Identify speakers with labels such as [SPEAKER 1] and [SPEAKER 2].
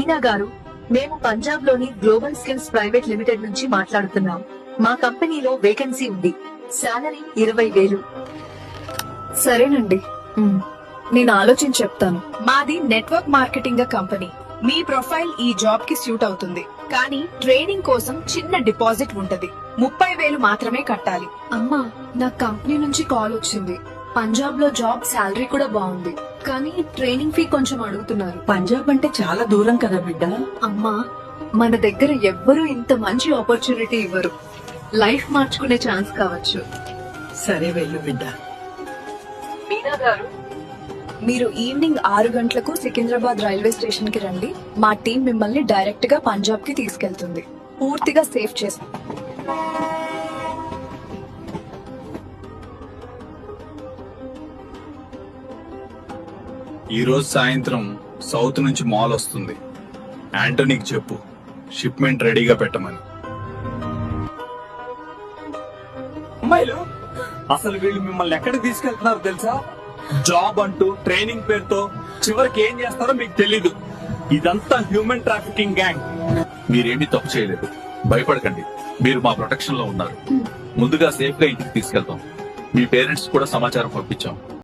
[SPEAKER 1] మీనా గారు, మేము పంజాబ్ లోని గ్లోబల్ స్కిల్స్ ప్రైవేట్ లిమిటెడ్ నుంచి మాట్లాడుతున్నాం. మా కంపెనీలో వేకెన్సీ ఉంది. సాలరీ 20,000.
[SPEAKER 2] సరేనండి, నేను ఆలోచించి చెప్తాను.
[SPEAKER 3] మాది నెట్వర్క్ మార్కెటింగ్ కంపెనీ. మీ ప్రొఫైల్ ఈ జాబ్ కి సూట్ అవుతుంది, కానీ ట్రైనింగ్ కోసం చిన్న డిపాజిట్ ఉంటది. 30,000 మాత్రమే కట్టాలి.
[SPEAKER 2] అమ్మా, నా కంపెనీ నుంచి కాల్ వచ్చింది. పంజాబ్ లో జాబ్ శాలరీ కూడా బాగుంది, కానీ ట్రైనింగ్ ఫీ కొంచెం అడుగుతున్నారు.
[SPEAKER 4] పంజాబ్ అంటే చాలా దూరం కదా బిడ్డ.
[SPEAKER 2] అమ్మా, మన దగ్గర ఎవ్వరూ ఇంత మంచి ఆపర్చునిటీ ఇవ్వరు. లైఫ్ మార్చుకునే ఛాన్స్ కావచ్చు.
[SPEAKER 4] సరే వెళ్ళు బిడ్డ.
[SPEAKER 2] మీనా గారు, మీరు ఈవినింగ్ 6 గంటలకు సికింద్రాబాద్ రైల్వే స్టేషన్ కి రండి. మా టీం మిమ్మల్ని డైరెక్ట్ గా పంజాబ్ కి తీసుకెళ్తుంది. పూర్తిగా సేఫ్ చేసి.
[SPEAKER 5] ఈ రోజు సాయంత్రం సౌత్ నుంచి మాల్ వస్తుంది. యాంటోనీకి చెప్పు షిప్మెంట్ రెడీగా పెట్టమని.
[SPEAKER 6] అమ్మాయిలు, అసలు వీళ్ళు మిమ్మల్ని ఎక్కడికి తీసుకెళ్తున్నారు తెలుసా? జాబ్ అంటూ ట్రైనింగ్ పేరుతో చివరికి ఏం చేస్తారో మీకు తెలీదు. ఇదంతా హ్యూమన్ ట్రాఫికింగ్ గ్యాంగ్.
[SPEAKER 5] మీరేమీ తప్పు చేయలేదు, భయపడకండి. మీరు మా ప్రొటెక్షన్ లో ఉన్నారు. ముందుగా సేఫ్ గా ఇంటికి తీసుకెళ్తాం. మీ పేరెంట్స్ కూడా సమాచారం పంపించాం.